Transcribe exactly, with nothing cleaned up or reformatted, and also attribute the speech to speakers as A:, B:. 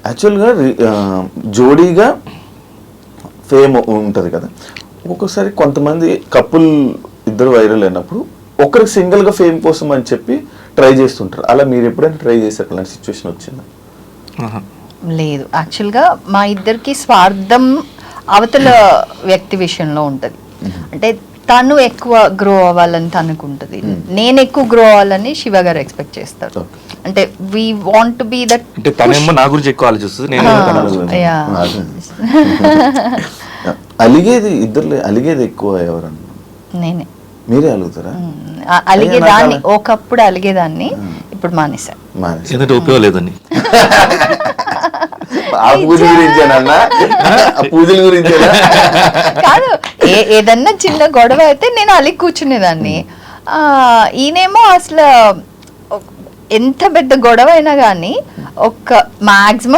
A: యాక్చువల్గా జోడీగా ఫేమ్ ఉంటుంది కదా, ఒక్కొక్కసారి కొంతమంది కపుల్ ఇద్దరు వైరల్ అయినప్పుడు ఒకరికి సింగిల్గా ఫేమ్ కోసం అని చెప్పి ట్రై చేస్తుంటారు. అలా మీరు ఎప్పుడైనా ట్రై చేశారు? అలాంటి సిచ్యువేషన్ వచ్చిందా?
B: లేదు, యాక్చువల్గా మా ఇద్దరికి స్వార్థం అవతల వ్యక్తి విషయంలో ఉంటుంది. అంటే తను ఎక్కువ గ్రో అవ్వాలని తనకు ఉంటుంది, నేను ఎక్కువ గ్రో అవ్వాలని శివ గారు ఎక్స్పెక్ట్ చేస్తారు. అంటే we want to be that.
C: అంటే తనేమో నా గురించి ఎక్కువ ఆలోచిస్తుంది, నేను
A: అలిగేది ఇద్దరు అలిగేది ఎక్కువ ఎవరన్నా?
B: నేనే.
A: మీరే అలుగుతారా?
B: అలిగేదాన్ని, ఒకప్పుడు అలిగేదాన్ని, ఇప్పుడు మానేసా.
C: ఎందుకంటే ఉపయోగం లేదని.
A: ఆ పూజ గురించేనన్నా? ఆ పూజల గురించేనా?
B: కాదు, ఏదన్నా చిన్న గొడవ అయితే నేను అలిగి కూర్చునేదాన్ని. ఆ ఈయనేమో అసలు ఎంత పెద్ద గొడవ అయినా కానీ ఒక మాక్సిమం